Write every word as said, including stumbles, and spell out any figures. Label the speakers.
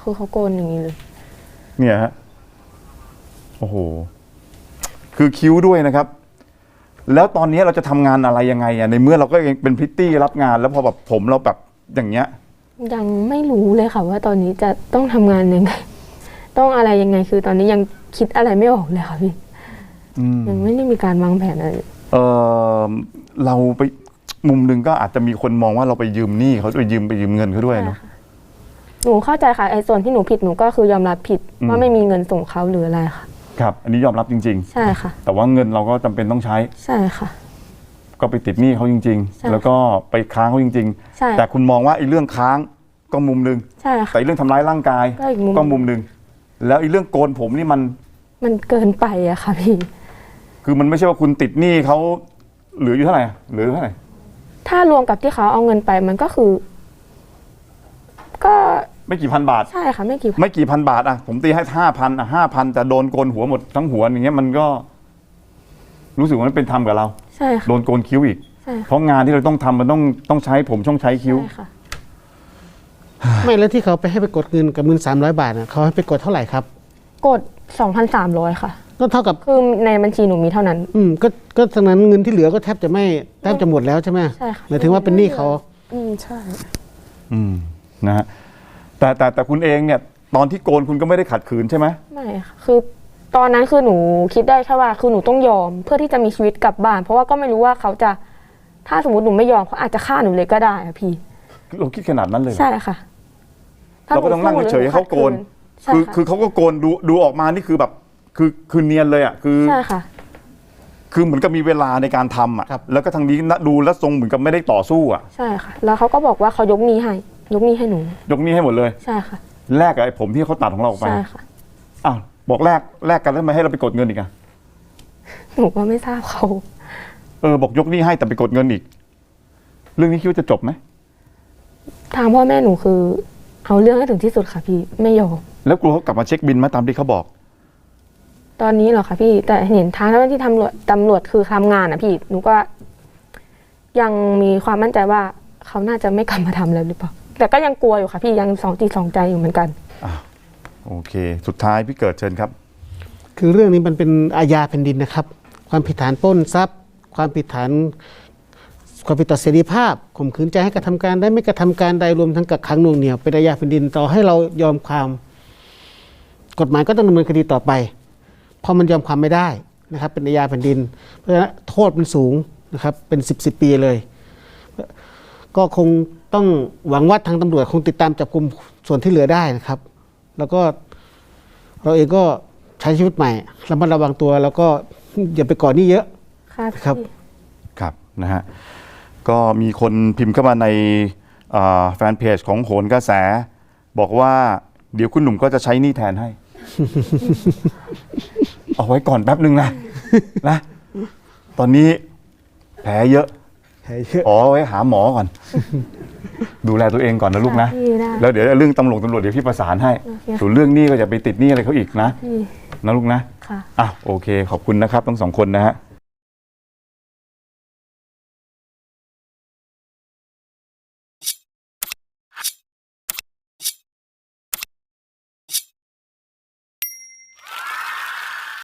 Speaker 1: คือเขาโกนอย่างนี้เลย
Speaker 2: เนี่ยฮะโอ้โหคือคิ้วด้วยนะครับแล้วตอนนี้เราจะทำงานอะไรยังไงอ่ะในเมื่อเราก็ยังเป็นพริตตี้รับงานแล้วพอแบบผมเราแบบอย่างเงี้ย
Speaker 1: ยังไม่รู้เลยค่ะว่าตอนนี้จะต้องทำงานยังไงต้องอะไรยังไงคือตอนนี้ยังคิดอะไรไม่ออกเลยค่ะพี่ยังไม่ได้มีการวางแผนอะไร
Speaker 2: เออเราไปมุมหนึ่งก็อาจจะมีคนมองว่าเราไปยืมหนี้เขาไปยืมไปยืมเงินเขาด้วยเนาะ
Speaker 1: หนูเข้าใจค่ะไอ้ส่วนที่หนูผิดหนูก็คือยอมรับผิดว่าไม่มีเงินส่งเขาหรืออะไรค่ะ
Speaker 2: ครับอันนี้ยอมรับจริงๆ
Speaker 1: ใช่ค่ะ
Speaker 2: แต่ว่าเงินเราก็จำเป็นต้องใช้
Speaker 1: ใช่ค่ะ
Speaker 2: ก็ไปติดหนี้เขาจริงๆแล้วก็ไปค้างเขาจริงๆแต่คุณมองว่าไอ้เรื่องค้างก็มุมนึง
Speaker 1: ใช่ค่ะ
Speaker 2: แต่เรื่องทำร้ายร่างกายก็มุมนึงแล้วไอ้เรื่องโกนผมนี่มัน
Speaker 1: มันเกินไปอะค่ะพี่
Speaker 2: คือมันไม่ใช่ว่าคุณติดหนี้เขาเหลืออยู่เท่าไหร่เหลือเท่าไหร่
Speaker 1: ถ้ารวมกับที่เขาเอาเงินไปมันก็คือก็
Speaker 2: ไม่กี่พันบาท
Speaker 1: ใช่ค่ะไม่กี่
Speaker 2: ไม่กี่พันบาทอ่ะผมตีให้ห้าพันอ่ะห้าพันแต่โดนโกนหัวหมดทั้งหัวอย่างเงี้ยมันก็รู้สึกว่ามันเป็นธรรมกับเรา
Speaker 1: ใช่ค่ะ
Speaker 2: โดนโกนคิ้วอีก
Speaker 1: ใช่
Speaker 2: เพราะงานที่เราต้องทำมันต้องต้องใช้ผมต้องใช้คิ้ว
Speaker 1: ใช่ค่ะ
Speaker 3: ไม่แล้วที่เขาไปให้ไปกดเงินกับเงินสามร้อยบาทนะเขาให้ไปกดเท่าไหร่ครับ
Speaker 1: กดสองพันสามร้อยค่ะ
Speaker 3: ก็เท่ากับ
Speaker 1: คือในบัญชีหนูมีเท่านั้น
Speaker 3: อืมก็ก็ฉะนั้นเงินที่เหลือก็แทบจะไม่แทบจะหมดแล้วใช่ไหม
Speaker 1: ใช่ค่ะ
Speaker 3: หมายถึงว่าเป็นหนี้เขา
Speaker 1: อืมใช่
Speaker 2: อืมนะฮะแต่แต่แต่คุณเองเนี่ยตอนที่โกนคุณก็ไม่ได้ขัดขืนใช่ไหม
Speaker 1: ไม่ค่ะคือตอนนั้นคือหนูคิดได้แค่ว่าคือหนูต้องยอมเพื่อที่จะมีชีวิตกลับบ้านเพราะว่าก็ไม่รู้ว่าเขาจะถ้าสมมติหนูไม่ยอมเขาอาจจะฆ่าหนูเลยก็ได้อะพี่
Speaker 2: เราคิดขนาดนั้นเลย
Speaker 1: ใช่ค่ะ
Speaker 2: เราก็ต้องนั่งเฉยให้เขาโกนคือคือเขาก็โกนดูดูออกมานี่คือแบบคือคือเนียนเลยอ่ะคือ
Speaker 1: ใช่ค่ะ
Speaker 2: คือเหมือนกับมีเวลาในการทำอ่ะแล้วก็ทางนี้ดูแล้วทรงเหมือนกับไม่ได้ต่อสู้อ่ะ
Speaker 1: ใช่ค่ะแล้วเขาก็บอกว่าเขายกหนี้ให้ยกหนี้ให้หนู
Speaker 2: ยกหนี้ให้หมดเลย
Speaker 1: ใช่ค่ะ
Speaker 2: แลกกับไอ้ผมที่เขาตัดของเราออกไป
Speaker 1: ใช่ค่ะ
Speaker 2: อ้าวบอกแลกแลกกันแล้วทำไมให้เราไปกดเงินอีกอ่ะ
Speaker 1: หนูก็ไม่ทราบเขา
Speaker 2: เออบอกยกหนี้ให้แต่ไปกดเงินอีกเรื่องนี้คิดว่าจะจบไหม
Speaker 1: ทางพ่อแม่หนูคือเอาเรื่องให้ถึงที่สุดค่ะพี่ไม่ยอม
Speaker 2: แล้วกลัวเขากลับมาเช็คบินไหมตามที่เขาบอก
Speaker 1: ตอนนี้เหรอคะพี่แต่เห็นทางเจ้าหน้าที่ตำรวจตำรวจคือทำงานอ่ะพี่หนูก็ยังมีความมั่นใจว่าเขาน่าจะไม่กลับมาทำแล้วหรือเปล่าแต่ก็ยังกลัวอยู่ค่ะพี่ยังสองจิตสองใจอยู่เหมือนกัน
Speaker 2: อ่าโอเคสุดท้ายพี่เกิดเชิญครับ
Speaker 3: คือเรื่องนี้มันเป็นอาญาแผ่นดินนะครับความผิดฐานปล้นทรัพย์ความผิดฐานความผิดต่อเสรีภาพข่มขืนใจให้กระทำการได้ไม่กระทำการใดรวมทั้งกักขังหน่วงเหนี่ยวเป็นอาญาแผ่นดินต่อให้เรายอมความกฎหมายก็ต้องดำเนินคดีต่อไปเพราะมันยอมความไม่ได้นะครับเป็นอาญาแผ่นดินเพราะฉะนั้นโทษมันสูงนะครับเป็นสิบสิบปีเลยก็คงต้องหวังว่าทางตำรวจคงติดตามจับกุมส่วนที่เหลือได้นะครับแล้วก็เราเองก็ใช้ชีวิตใหม่ระมัดระวังตัวแล้วก็อย่าไปก่อหนี้เยอะ
Speaker 1: ครับ
Speaker 2: ครับนะฮะก็มีคนพิมพ์เข้ามาในแฟนเพจของโหนกระแสบอกว่าเดี๋ยวคุณหนุ่มก็จะใช้หนี้แทนให้ เอาไว้ก่อนแป๊บนึงนะนะตอนนี้แผลเยอะอ๋อไว้หาหมอก่อน ดูแลตัวเองก่อนนะลูกนะแล้วเดี๋ยวเรื่องตำรวจตำรวจเดี๋ยวพี่ประสานให้ส่วนเรื่องหนี้ก็อย่าไปติดหนี้อะไรเขาอีกนะนะลูกนะ
Speaker 1: ค่ะ
Speaker 2: อ่ะโอเคขอบคุณนะครับทั้งสองคนนะฮะ